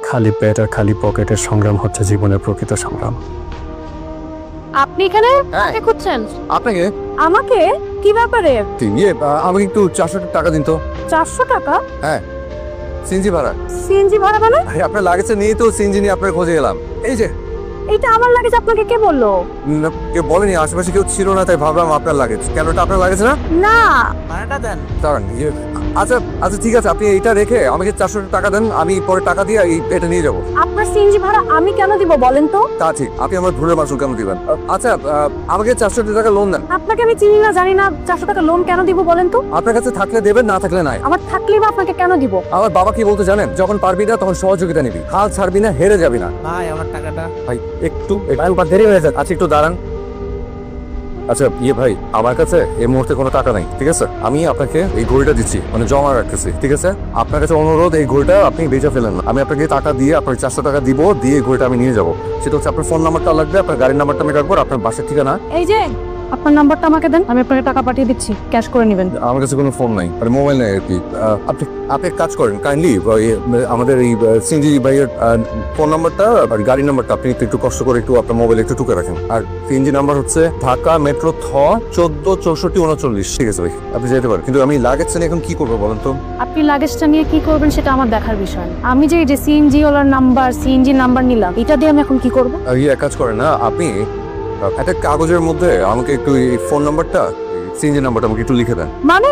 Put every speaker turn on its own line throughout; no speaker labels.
খালি পেট আর খালি পকেটের সংগ্রাম হচ্ছে জীবনের প্রকৃত সংগ্রাম।
আপনি এখানে কাকে খুঁজছেন?
আপনাকে
আমাকে? কি ব্যাপারে?
আমাকে একটু 400 টাকা দিন তো।
400 টাকা?
হ্যাঁ, সিএনজি ভাড়া।
সিএনজি ভাড়া মানে?
আপনার লাগেছে নিয়ে তো সিএনজি নিয়ে আপনার খোঁজে এলাম। এই যে
এটা আমার লাগেজ, আপনাকে কে বললো?
কেউ বলেনি, আশেপাশে কেউ ছিল না, তাই ভাবলাম আপনার লাগেজ। কেন, এটা আপনার লাগেছে না?
না।
ভাড়াটা দেন।
দাঁড়ান, আচ্ছা আচ্ছা ঠিক আছে, আপনি এইটা রেখে আমাকে 400 টাকা দেন, আমি পরে টাকা দিয়ে এটা নিয়ে যাবো।
আপনার সিএনজি ভাড়া আমি কেন দিব বলেন তো?
তা ঠিক, আপনি আমার ভুলের মাসুল কেন দিবেন? আচ্ছা, আমাকে 400 টাকা লোন দেন।
আপনাকে আমি চিনি না, জানি না, 400 টাকা লোন কেন দিব বলেন তো?
আপনার কাছে থাকলে দেবেন, না থাকলে নাই।
আমার থাকলেই বা আপনাকে কেন দিব?
আমার বাবা কি বলতে জানেন, যখন পারবি না তখন সহযোগিতা নিবি, হাল ছাড়বি না, হেরে যাবি না।
ভাই আমার টাকাটা।
ভাই একটু দেরি হয়ে যাচ্ছে। আচ্ছা একটু দাঁড়ান। আচ্ছা ভাই, আমার কাছে এই মুহূর্তে কোনো টাকা নাই, ঠিক আছে? আমি আপনাকে এই ঘড়িটা দিচ্ছি, মানে জমা রাখতেছি, ঠিক আছে? আপনার কাছে অনুরোধ, এই ঘড়িটা আপনি বেচে ফেলেন না। আমি আপনাকে টাকা দিয়ে, আপনার 400 টাকা দিব, দিয়ে এই ঘড়িটা আমি নিয়ে যাবো। সেটা হচ্ছে আপনার ফোন নাম্বারটা লাগবে, আপনার গাড়ির নাম্বারটা আমি রাখবো, আপনার বাসার ঠিকানা।
এই যে আপনার নাম্বারটা আমাকে দেন, আমি আপনাকে টাকা পাঠিয়ে দিচ্ছি, ক্যাশ করে নেবেন।
আমার কাছে কোনো ফোন নাই, মানে মোবাইল নাই আর কি। আপনি আপনি এক কাজ করেন, কাইন্ডলি আমাদের এই সিএনজি ভাইয়ের ফোন নাম্বারটা আর গাড়ির নাম্বারটা আপনি একটু কষ্ট করে একটু আপনার মোবাইলে একটু টুকে রাখেন। আর সিএনজি নাম্বার হচ্ছে ঢাকা মেট্রো 146439। ঠিক আছে ভাই, আপনি যেতে পারেন, কিন্তু আমি লাগেজটা নিয়ে এখন কি করবো বলেন তো?
আপনি লাগেজটা নিয়ে কি করবেন সেটা আমার দেখার বিষয়। আমি যে সিএনজি ওলার নাম্বার, সিএনজি নাম্বার নিলাম, এটা দিয়ে আমি এখন কি করব?
এক কাজ করেন না, আপনি একটা কাগজের মধ্যে আমাকে একটু এই ফোন নাম্বারটা, সিএনজি নাম্বারটা আমাকে একটু লিখে দেন।
মানে?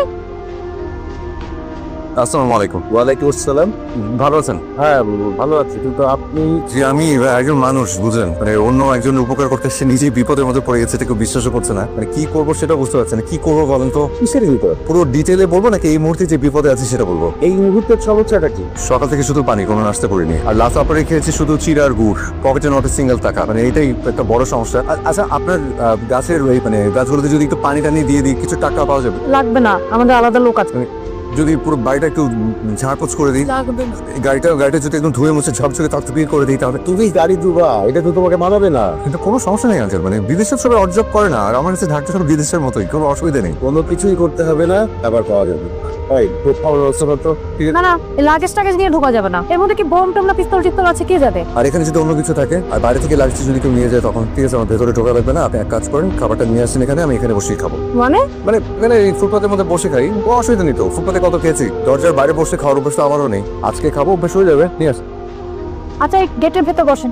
আসসালামু আলাইকুম।
ওয়ালাইকুম আসসালাম।
ভালো আছেন?
হ্যাঁ ভালো আছি, কিন্তু আপনি?
যে আমি একজন মানুষ, বুঝলেন, মানে অন্য একজনের উপকার করতে সে নিজেই বিপদের মধ্যে পড়ে গেছে, কেউ বিশ্বাসও করছে না। মানে কি করবো সেটা বুঝতে পারছে না। কি করবো বলেন তো?
কিসের বিপদ?
পুরো ডিটেলে বলবো নাকি এই মুহূর্তে যে বিপদে আছে সেটা বলবো?
এই মুহূর্তের সমস্যাটা কি?
সকাল থেকে শুধু পানি, কোনো নাস্তা করিনি, আর লাস্ট অপারে খেয়েছি শুধু চিড়া আর গুড়, পকেটে নট সিঙ্গেল টাকা। মানে এইটাই একটা বড় সমস্যা। আচ্ছা, আপনার গাছের ওই মানে গাছগুলোতে যদি একটু পানি টানি দিয়ে দিই, কিছু টাকা পাওয়া যাবে?
লাগবে না, আমাদের আলাদা লোক আছে।
যদি পুরো বাড়িটা একটু ঝাড়পোছ করে দিই,
লাগবে না।
গাড়িটা যদি একদম ধুয়ে মুছে ঝকঝকে তকতকিয়ে করে দিই, তাহলে
তুমি গাড়ি দুবা, এটা তো তোমাকে মানাবে না।
কিন্তু কোনো সমস্যা নেই আঙ্কেল। মানে বিদেশের সবাই অর্জব করে না, আর আমার কাছে ঢাকটা সব বিদেশের মতোই, কোনো অসুবিধা নেই।
কোনো কিছুই করতে হবে না, আবার পাওয়া যাবে। ভাই খুব ভালো ব্যবস্থা করতো।
না না, লাগেজ টাগেজ নিয়ে ঢোকা যাবে না। এর মধ্যে কি বোম টোম না পিস্তল টিস্তল আছে, কে যাবে?
আর এখানে যদি অন্য কিছু থাকে আর বাইরে থেকে লাগছে যদি কেউ নিয়ে যায়, তখন ঠিক আছে, আমার ভেতরে ঢোকা লাগবে না। আপনি এক কাজ করেন, খাবারটা নিয়ে আসেন এখানে, আমি এখানে বসেই খাবো।
মানে?
মানে এখানে এই ফুটপাতের মধ্যে বসে খাই, কোনো অসুবিধা নেই তো। ফুটপাতে কত খেয়েছি, দরজার বাইরে বসে খাওয়ার অভ্যাস তো আমারও নেই। আজকে খাবো, অভ্যাস হয়ে যাবে। নিয়ে আস।
আচ্ছা, এই গেটের ভেতর বসেন।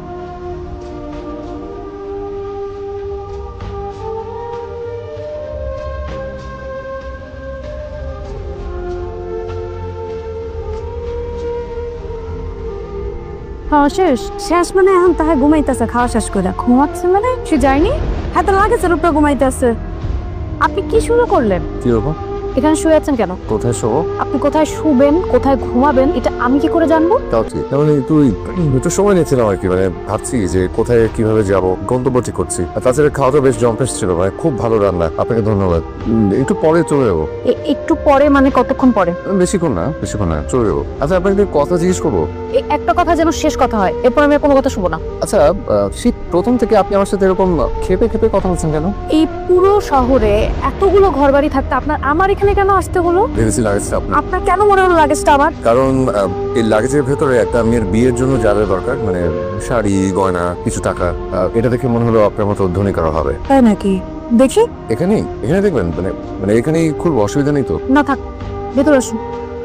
খাওয়া শেষ? শেষ মানে এখন তাহে ঘুমাইতেছে, খাওয়া শেষ করে ঘুমাচ্ছে মানে? সে যায়নি, হ্যাঁ তো লাগেছে উপরে ঘুমাইতেছে। আপনি কি শুরু করলেন?
কি হবো?
এখানে শুয়ে আছেন কেন?
কোথায় শোবো?
আপনি কোথায় শুবেন, কোথায় ঘুমাবেন, এটা আমি কি করে জানবো?
তাও ঠিক। মানে তুই একটু সময় নিয়েছিলাম আর কি, মানে ভাবছি যে কোথায় কিভাবে যাব, গন্তব্য ঠিক করছি। আর তাছাড়া খাওয়াটা বেশ জম্পেশ ছিল ভাই, খুব ভালো রান্না, আপনাকে ধন্যবাদ। একটু পরে চলে যাবো।
একটু পরে মানে কতক্ষণ পরে?
বেশিক্ষণ না, চলে যাবো। আচ্ছা, আপনাকে একটা কথা জিজ্ঞেস করবো?
এই একটা কথা যেন শেষ কথা হয়, এরপর আমি আর কোনো কথা শুনবো না।
আচ্ছা, শীত প্রথম থেকে আপনি আমার সাথে এরকম খেপে খেপে কথা বলছেন কেন?
এই পুরো শহরে এতগুলো ঘরবাড়ি থাকতে আপনার আমার এখানে কেন আসতে হলো?
ভেবেছি লাগেজটা আপনার।
আপনার কেন মনে হলো লাগেজটা আমার?
কারণ এই লাগেজের ভেতরে একটা মেয়ের বিয়ের জন্য যা যা দরকার, মানে শাড়ি, গয়না, কিছু টাকা, এটা দেখে মনে হলো আপনার মতো ধনী কারো হবে।
তাই নাকি? দেখি।
এখানে দেখবেন, মানে মানে এখানেই খুব অসুবিধা নেই তো?
না থাক, ভেতর আসুন।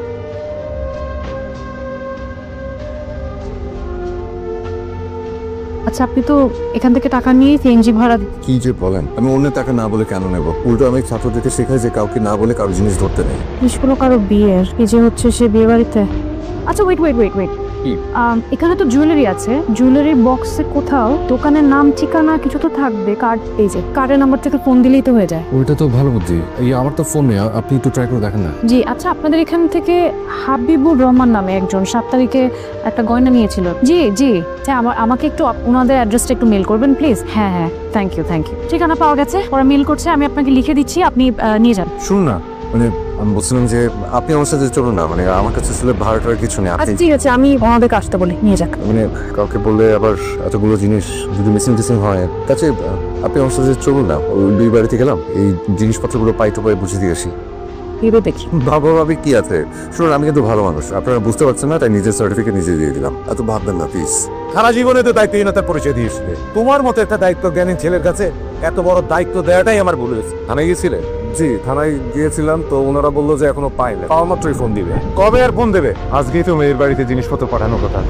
আচ্ছা, আপনি তো এখান থেকে টাকা নিয়ে সিএনজি ভাড়া
কি যে বলেন, আমি অন্য টাকা না বলে কেন নেব? উল্টো আমি ছাত্রদেরকে শেখাই যে কাউকে না বলে কারো জিনিস ধরতে নেই।
নিষ্কুল কারো বিয়ের, এই যে হচ্ছে সে বিয়ে বাড়িতে। আচ্ছা ওয়েট ওয়েট ওয়েট ওয়েট,
কি?
এখানে তো জুয়েলারি আছে, জুয়েলারির বক্সে কোথাও দোকানের নাম ঠিকানা কিছু তো থাকবে। কার্ড, এই যে কার্ডের নাম্বার থেকে ফোন দিলেই তো হয়ে যায়।
ওইটা তো ভালো বুদ্ধি। এই আমার তো ফোন নেই, আপনি একটু ট্রাই করে দেখেন না।
জি আচ্ছা, আপনাদের এখান থেকে হাবিবুর রহমান নামে একজন 7 তারিখে একটা গয়না নিয়েছিল। জি জি, আমাকে একটু ওনাদের অ্যাড্রেসটা একটু মেল করবেন প্লিজ। হ্যাঁ হ্যাঁ, থ্যাংক ইউ। ঠিকানা পাওয়া গেছে, ওরা মেল করছে, আমি আপনাকে লিখে দিচ্ছি, আপনি নিয়ে যান।
শুনুন না, মানে আমি বলছিলাম যে আপনি আমার সাথে চলুন না, মানে আমার কাছে আসলে ভাড়াটার কিছু নেই।
আচ্ছা ঠিক আছে, আমি ওনাদেরকে আসতে বলি, নিয়ে যাক।
মানে কাউকে বললে আবার এতগুলো জিনিস যদি মিসিং হয়, তাছে আপনি আমার সাথে চলুন না, ওই দুই বাড়িতে গেলাম, এই জিনিসপত্রগুলো পাই টু পাই বুঝে দিয়ে আসি।
ভেবে দেখি।
বাবা ভাবি কি আছে, শুনুন আমি কিন্তু ভালো মানুষ, আপনারা বুঝতে পারছেন না, তাই নিজের সার্টিফিকেট নিজে দিয়ে দিলাম। এত ভাববেন না প্লিজ।
সারা জীবনে তো দায়িত্বহীনতার পরিচয় দিয়েছিলে। তোমার মতো একটা দায়িত্ব জ্ঞানী ছেলের কাছে এত বড় দায়িত্ব দেওয়াটাই আমার ভুল হয়েছে।
থানায় গিয়েছিলেন? জি থানায় গিয়েছিলাম, তো ওনারা বললো যে এখনো পাইনি, পাওয়া মাত্রই ফোন দিবে।
কবে আর ফোন দেবে? আজকেই তো মেয়ের বাড়িতে জিনিসপত্র পাঠানোর কথা।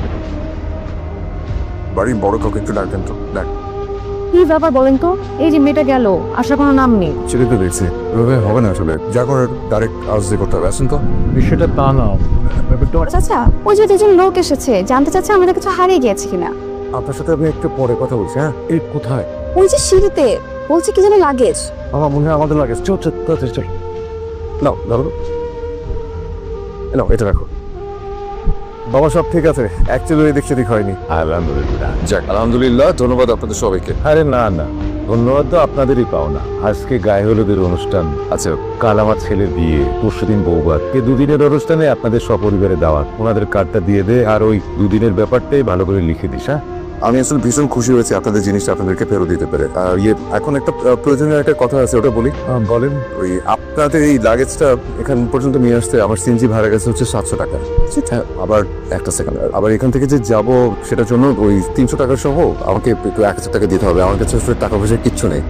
বাড়ির বড় কাউকে একটু ডাকবেন তো। ডাক।
কি ব্যাপার বলেন তো? এই যে মেয়েটা গেল, আসার কোনো নাম নেই।
ছেলে তো দেখছি এভাবে হবে না, আসলে যা করার ডাইরেক্ট আউজ দিয়ে করতে হবে। আসেন তো।
বিষয়টা তা না,
চাচা ওই যে দুজন লোক এসেছে, জানতে চাচ্ছে আমাদের কিছু হারিয়ে গিয়েছে কিনা।
আপনার সাথে আমি একটু পরে কথা বলছি। হ্যাঁ
এই কোথায়?
ওই যে সিঁড়িতে বলছে কি যেন লাগেজ।
আমার মনে হয় আমাদের লাগে। চল চল চল চল। নাও ধরো, নাও এটা রাখো। বাবা সব ঠিক আছে, অ্যাকচুয়ালি এদিক সেদিক হয়নি।
আলহামদুলিল্লাহ।
যাক আলহামদুলিল্লাহ, ধন্যবাদ আপনাদের সবাইকে।
আরে না না, ধন্যবাদ তো আপনাদেরই পাওনা। আজকে গায়ে হলুদের অনুষ্ঠান,
আচ্ছা
কাল আমার ছেলের বিয়ে, পরশুদিন বৌভাত। এই দুদিনের অনুষ্ঠানে আপনাদের সপরিবারে দাওয়াত। ওনাদের কার্ডটা দিয়ে দে, আর ওই দুদিনের ব্যাপারটাই ভালো করে লিখে দিস। হ্যাঁ
আমি আসলে ভীষণ খুশি হয়েছি আপনাদের জিনিসটা আপনাদেরকে ফেরত দিতে পেরে। আর এখন একটা প্রয়োজনীয় একটা কথা আছে, ওটা বলি।
বলেন।
ওই আপনাদের এই লাগেজটা এখান পর্যন্ত নিয়ে আসতে আমার সিএনজি ভাড়া গেছে হচ্ছে 700 টাকা। হ্যাঁ আবার একটা সেকেন্ড, আবার এখান থেকে যে যাব সেটার জন্য ওই 300 টাকা সহ আমাকে একটু 1000 টাকা দিতে হবে। আমার কাছে আসলে টাকা পয়সা কিচ্ছু নেই।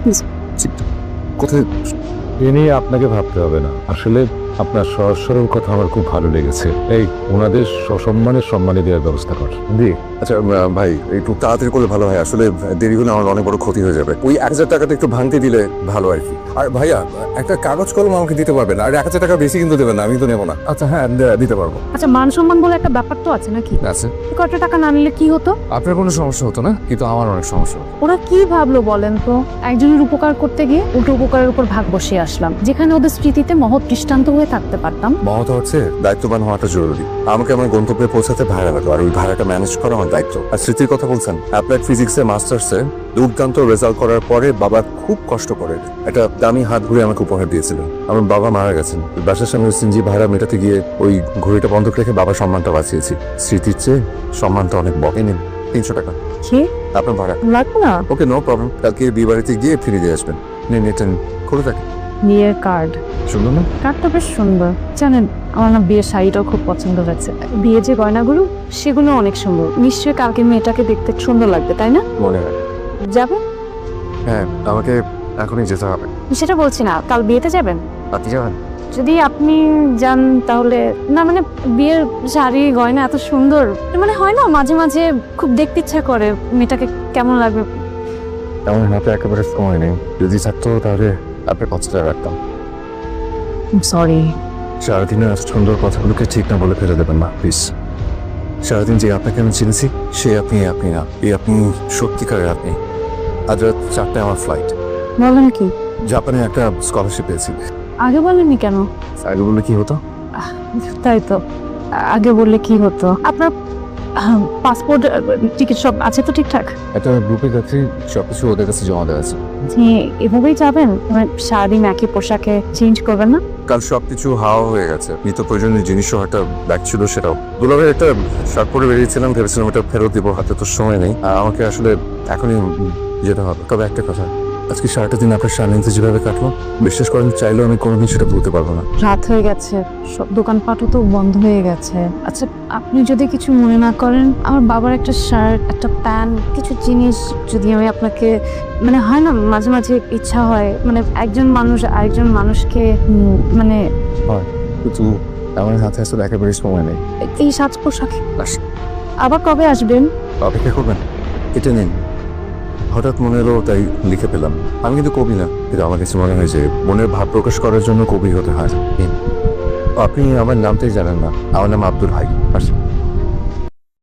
কোথায়?
এ নিয়ে আপনাকে ভাবতে হবে না। আসলে আপনার সহজ সরল কথা আমার খুব ভালো লেগেছে। এই ওনাদের সসম্মানের সম্মানে দেওয়ার ব্যবস্থা কর। জি
আচ্ছা ভাই একটু তাড়াতাড়ি করলে ভালো হয়, আসলে দেরি হলে আমার অনেক বড় ক্ষতি হয়ে যাবে। ওই 1000 টাকাটা একটু ভাঙতে দিলে ভালো আর কি। আর ভাইয়া একটা কাগজ কলম আমাকে দিতে পারবেন? আর 1000 টাকা বেশি কিন্তু দেবেন না, আমি তো নেবো না। আচ্ছা হ্যাঁ দিতে পারবো।
আচ্ছা মান সম্মান বলে একটা ব্যাপার তো আছে নাকি?
আচ্ছা
কত টাকা না নিলে কি হতো?
আপনার কোনো সমস্যা হতো না, কিন্তু আমার অনেক সমস্যা হতো।
ওরা কি ভাবলো বলেন তো? একজনের উপকার করতে গিয়ে উল্টো উপকারের উপর ভাগ বসিয়ে আসলাম, যেখানে ওদের স্মৃতিতে মহৎ দৃষ্টান্ত হয়ে থাকতে পারতাম।
মহৎ হচ্ছে দায়িত্ববান হওয়াটা জরুরি। আমাকে আমার গন্তব্যে পৌঁছাতে ভাড়া লাগলো, আর ওই ভাড়াটা ম্যানেজ করা আমার দায়িত্ব। আর স্মৃতির কথা বলছেন, অ্যাপ্লাইড ফিজিক্সে মাস্টার্সে দুর্দান্ত রেজাল্ট করার পরে বাবা খুব কষ্ট করে একটা দামি হাত ঘুরে আমাকে উপহার দিয়েছিলেন। আমার বাবা মারা গেছেন, বাসার সামনে সিএনজি ভাড়া মেটাতে গিয়ে ওই ঘড়িটা বন্ধক রেখে বাবার সম্মানটা বাঁচিয়েছি। স্মৃতির চেয়ে সম্মানটা অনেক বকে। নিন 300 টাকা
কি
আপনার ভাড়া।
লাগবে না?
ওকে নো প্রবলেম, কালকে বিয়ে বাড়িতে গিয়ে ফিরে দিয়ে আসবেন। নিন এটা খুলে থাকে।
বিয়ের কার্ড?
শুনুন না,
কার্ডটা বেশ সুন্দর। জানেন আমার না বিয়ের শাড়িটাও খুব পছন্দ হয়েছে। বিয়ে যে গয়নাগুলো সেগুলো অনেক সুন্দর। নিশ্চয়ই কালকে মেয়েটাকে দেখতে সুন্দর লাগবে, তাই না?
মনে হয়।
যাবে?
হ্যাঁ আমাকে এখনই যেতে হবে।
সেটা বলছি না, কাল বিয়েতে যাবেন?
আপনি যাবেন?
যদি আপনি যান তাহলে না, মানে বিয়ের শাড়ি গয়না এত সুন্দর, মানে হয় না মাঝে মাঝে খুব দেখতে ইচ্ছা করে মেয়েটাকে কেমন লাগবে।
আমার হাতে একেবারে সময় নেই, যদি থাকতো তাহলে আপনার কথাটা রাখতাম।
সরি।
সারাদিনের সুন্দর কথাগুলোকে ঠিক না বলে ফেলে দেবেন না প্লিজ। সারাদিন যে আপনাকে আমি চিনেছি সে আপনি না, এই আপনি সত্যিকারের আপনি। আজ রাত 4টায় আমার ফ্লাইট।
বলেন কি?
জাপানে একটা স্কলারশিপ পেয়েছি।
আগে বলেননি কেন?
আগে বললে কি হতো?
তাই তো, আগে বললে কি হতো? আপনার পাসপোর্ট টিকিট সব আছে তো ঠিকঠাক?
একটা গ্রুপে যাচ্ছি, সবকিছু ওদের কাছে জমা দেওয়া আছে।
এভাবেই যাবেন? সারাদিন একই পোশাকে চেঞ্জ করবেন না?
কাল সবকিছু হাওয়া হয়ে গেছে। নিত্য প্রয়োজনীয় জিনিসও একটা ব্যাগ ছিল, সেটাও দুলাভাই একটা শার্ট পরে বেরিয়েছিলাম, ভেবেছিলাম এটা ফেরত দিব, হাতে তো সময় নেই। আমাকে আসলে এখনই যেতে হবে। তবে একটা কথা, আজকে সারাটা দিন আপনার সান্নিধ্যে যেভাবে কাটলো, বিশ্বাস করেন চাইলেও আমি কোনোদিন সেটা ভুলতে পারবো না।
রাত হয়ে গেছে, সব দোকানপাটও তো বন্ধ হয়ে গেছে। আচ্ছা আপনি যদি কিছু মনে না করেন, আমার বাবার একটা শার্ট, একটা প্যান্ট, কিছু জিনিস যদি আমি আপনাকে, মানে হয় না মাঝে মাঝে ইচ্ছা হয়, মানে একজন মানুষ আরেকজন মানুষকে মানে
হয়, কিন্তু আমার হাতে আসলে একেবারে সময় নেই।
এই সাজ পোশাকে। আবার কবে আসবেন?
অপেক্ষা করবেন, এটা নিন। হঠাৎ মনে এলো তাই লিখে পেলাম। আমি কিন্তু কবি না, কিন্তু আমার কাছে মনে হয় যে মনের ভাব প্রকাশ করার জন্য কবি হতে হয়। আপনি আমার নামটাই জানেন না, আমার নাম আব্দুল হাই।